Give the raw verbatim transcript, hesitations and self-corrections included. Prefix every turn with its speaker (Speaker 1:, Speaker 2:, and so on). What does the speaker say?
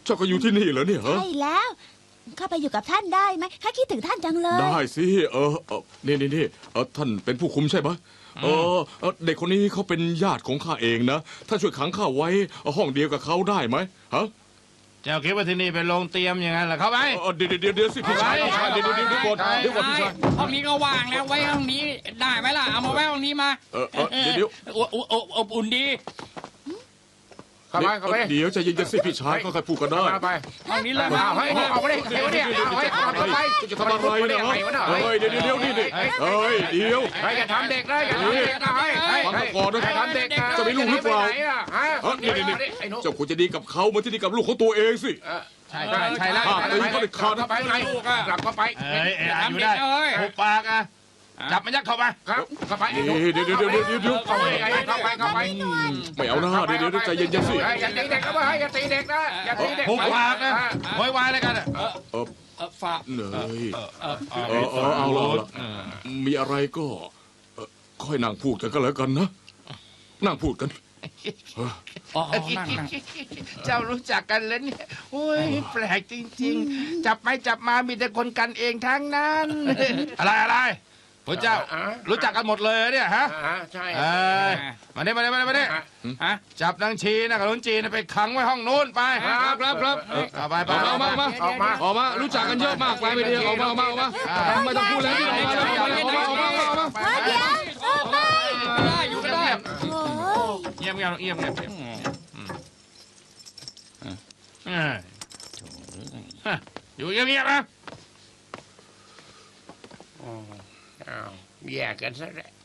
Speaker 1: เจ้าก็อยู่ที่นี่เหรอเนี่ยฮะ
Speaker 2: ใช่แล้วเข้าไปอยู่กับท่านได้ไหมข้าคิดถึงท่านจังเลย
Speaker 1: ได้สิเออเออนี่นี่นี่เออท่านเป็นผู้คุมใช่ไหมเออเออเด็กคนนี้เขาเป็นญาติของข้าเองนะท่านช่วยขังข้าไว้ห้องเดียวกับเขาได้ไหมฮะ
Speaker 3: เจ้าคิดว่าที่นี่เป็นโรงเตรียมอย่างนั้นเหรอเข้าไป
Speaker 1: เออเดี๋ยวเดี๋ยวเดี๋ยวสิพี่ชายพี่ชายเดี๋ยวเดี๋ยวเดี๋ยวก่อนเดี๋ยวก่อนพี่ชาย
Speaker 4: ห้องนี้ก็ว่างแล้วไว้ห้องนี้ได้ไหมล่ะเอามาไว้ห้องนี้มา
Speaker 1: เออเออเดี๋ยวเดี๋ยว
Speaker 4: อบอบอบอุ่นดี
Speaker 5: เข้าไปเข้าไป
Speaker 1: เดี๋ยวใจเย็นๆสิพี่ชายค่อยๆพูดกันได้
Speaker 5: เข้าไป
Speaker 4: ห้องนี้เลย
Speaker 5: เอาให้ออกมาได้เดี๋ยวเนี่ยเอาให้เข้าไป
Speaker 1: จะทำอะไรนะฮะเฮ้ยเดี๋ยวเดี๋ยวนี่ดิเฮ้ยเดี๋ยว
Speaker 5: เฮ้ยอย่าทำเด็กเลยอย่าทำเด็กนะเฮ้ย
Speaker 1: ฟังก่อนนะ
Speaker 5: อย่าทำเด็กนะ
Speaker 1: จะไม่รู้หรือเปล่า
Speaker 5: ฮะ
Speaker 1: เออนี่นี่นี่
Speaker 5: ไอ้หนู
Speaker 1: เจ้าควรจะดีกับเขาเหมือนที่ดีกับลูกของตัวเองสิ
Speaker 3: ใช่ใช่ใช่แล้ว
Speaker 1: อ่ะตีเขาเด็ดขาด
Speaker 5: เข้าไปไงกลับเข้าไป
Speaker 3: เอ้ยเอ้ยอยู่ได้หุบปากอ่ะจับมันยัดเข้าไป
Speaker 5: ครับเข้าไป
Speaker 1: เดี๋ยวเดี๋ยวเดี๋ยวเดี๋ยวเดี๋ยวเดี๋ยว
Speaker 5: เข้าไปเข้าไปเข้าไป
Speaker 1: ไม่เอาหน้าเดี๋ยวเดี๋ยวใจเย็นๆสิ
Speaker 5: อย่าตีเด็กนะเว้ยอย่าตีเด็กนะอย่าตีเด็ก
Speaker 3: หุบปากนะโวยวายอะไรกันอ่ะ
Speaker 1: เออ
Speaker 4: เออฝาก
Speaker 1: เหนื่อย
Speaker 4: เออเออ
Speaker 1: เออเออเอาละเอาละมีอะไรก็เอ่อค่อยนั่งพูดกันก็แล้วกันนะนั่งพูดกัน
Speaker 4: อ๋อนั่งนั่ง
Speaker 3: เจ้ารู้จักกันแล้วเนี่ยโอ้ยแปลกจริงๆ จับไปจับมามีแต่คนกันเองทั้งนั้น อะไรอะไรพระเจ้ารู้จักกันหมดเลยเนี่ยฮะ
Speaker 5: ใช่
Speaker 3: เอ้ยมาเนี่ยมาเนี่ยมาเนี่ยมาเนี่ย
Speaker 4: ฮะ
Speaker 3: จับนางชีนะกับลุงจีนไปขังไว้ห้องนู้นไป
Speaker 1: ครับครับครับ
Speaker 3: เอาไปไป
Speaker 1: ออกมาออกมา
Speaker 5: ออกมา
Speaker 1: ออกมารู้จักกันเยอะมากไปไม่ดีออกมาออกมาออกมาไม่ต้องพูดแล้วที่ออกมาออกมาออกมาออกมาออกมา
Speaker 2: เดี๋ยวออกไป
Speaker 4: ได้อยู่ก็ได้
Speaker 2: โอ้ย
Speaker 3: เงียบเงียบเงียบเงียบเงียบอยู่เงียบเงียบนะ
Speaker 5: อ้าวแยกกันซะแล้ว